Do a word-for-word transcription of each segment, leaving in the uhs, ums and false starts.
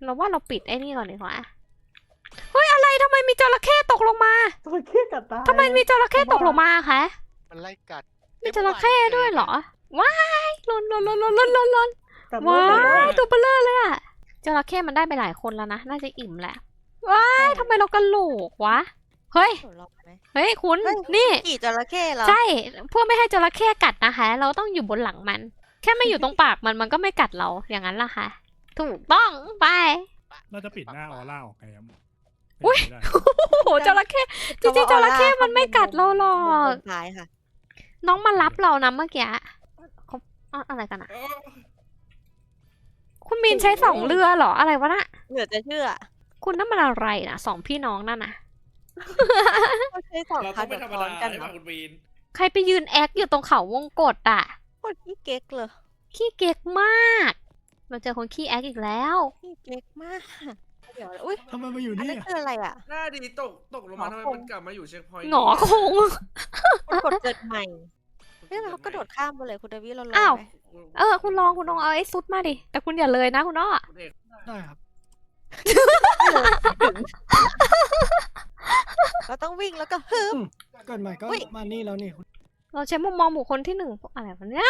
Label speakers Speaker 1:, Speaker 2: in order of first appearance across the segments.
Speaker 1: เราว่าเราปิดไอ้นี่ก่อนดีกว่าเฮ้ยอะไรทำไมมีจระเข้ตกลงมา
Speaker 2: จระเข้กัดตาย
Speaker 1: ทำไมมีจระเข้ตกลงมาคะ
Speaker 3: มันไล่กัด
Speaker 1: มีจระเข้ด้วยเหรอว้ายลนลนลนลนลนลนลน
Speaker 2: กัด
Speaker 1: ว้า
Speaker 2: เลย
Speaker 1: ยตัวเบลอเลยอะจระเข้มันได้ไปหลายคนแล้วนะน่าจะอิ่มแหละว้ายทำไมเรากระโหลกวะเฮ้ย
Speaker 4: หนูลองไหม
Speaker 1: เฮ้ยคุณ
Speaker 4: เฮ้ย
Speaker 1: นี่
Speaker 4: ขี่จระเข้เหรอ
Speaker 1: ใช่เพื่อไม่ให้จระเข้กัดนะคะ เราต้องอยู่บนหลังมัน แค่ไม่อยู่ตรงปากมันมันก็ไม่กัดเราอย่างนั้นล่ะค่ะ ถูกต้องไป
Speaker 5: เราจะปิดหน้าออร่าออกไงครับ
Speaker 1: อุ๊ย
Speaker 5: ไม่ได้
Speaker 1: โอ้โหจระเข้จริงๆจระเข้มันไม่กัดเราหรอก
Speaker 4: บนท้ายค่ะ
Speaker 1: น้องมารับเรานะเมื่อกี้เขาอะอะไรกันอะคุณมีนใช้สองเรือเหรออะไรวะน่ะ
Speaker 4: เหลือจะเชื่อ
Speaker 1: คุณนั่นมันอะไรนะสองพี่น้องนั่นนะ
Speaker 4: เขาใช้สอง
Speaker 5: เรา
Speaker 4: คั
Speaker 5: ต้อน งไม่
Speaker 4: แบบ
Speaker 5: ธรรม
Speaker 4: ซ้อน
Speaker 5: ดา
Speaker 4: กัน
Speaker 5: ใช่
Speaker 4: เหร
Speaker 5: ป่ะ
Speaker 4: อ
Speaker 5: คุณวีน
Speaker 1: ใครไปยืนแอคอยู่ตรงเขาวงกตอะ
Speaker 4: โคตรขี้เก๊กเลย
Speaker 1: ขี้เก๊กมาก เราเจอคนขี้แอคอีกแล้ว
Speaker 4: ขี้เก๊กมากเดี๋ยวอุ้ย
Speaker 5: ทำไมมาอยู่
Speaker 4: อัน
Speaker 5: นี่
Speaker 4: นั้นคืออะไรอ่ะ
Speaker 6: หน้าดีตกตกลงมาทำไมมันกลับมาอยู่เช็คพอยต์
Speaker 1: หงอคง
Speaker 4: มันกดเกิดใหม่เฮ้ยมันเขากระโดดข้ามไปเลยคุณเดวิดเราลอง
Speaker 1: อ้าว
Speaker 4: ไหม
Speaker 1: เออคุณลองคุณลองเอาไอ้ซุดมาดิแต่คุณอย่าเลยนะคุณอ้อ
Speaker 6: คุณเอก
Speaker 5: ได้ครับ
Speaker 4: เราต้องวิ่งแล้วก็ฮึบ
Speaker 5: เกิดใหม่ก็
Speaker 4: อุ๊ย
Speaker 5: มานี่แล้วนี่
Speaker 1: เราใช้มุมมองบุคคลที่หนึ่งอะไรวะเนี่ย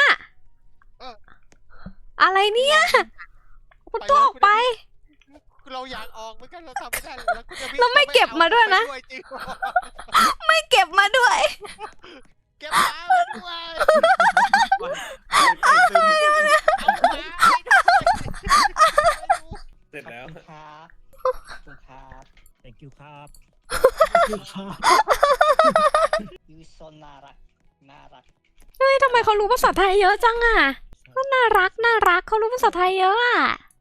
Speaker 1: อะไรเนี่ยคุณตัวออกไป
Speaker 3: เราอยากออกเหมือนกันเราทำไม่ได้แล้วคุณจะ
Speaker 1: เราไม่เก็บมาด้วยนะ
Speaker 3: ไปจริง
Speaker 1: ไม่เก็บมาด้วย
Speaker 3: เก็บมาด้วยเอามา
Speaker 6: เสร็จแล้ว
Speaker 7: ครับครับ
Speaker 5: thank you ครับ
Speaker 7: ยูโซน่ารักน่ารัก
Speaker 1: เฮ้ยทำไมเขารู้ภาษาไทยเยอะจังอ่ะก็น่ารักน่ารักเขารู้ภาษาไทยเยอะอ่ะ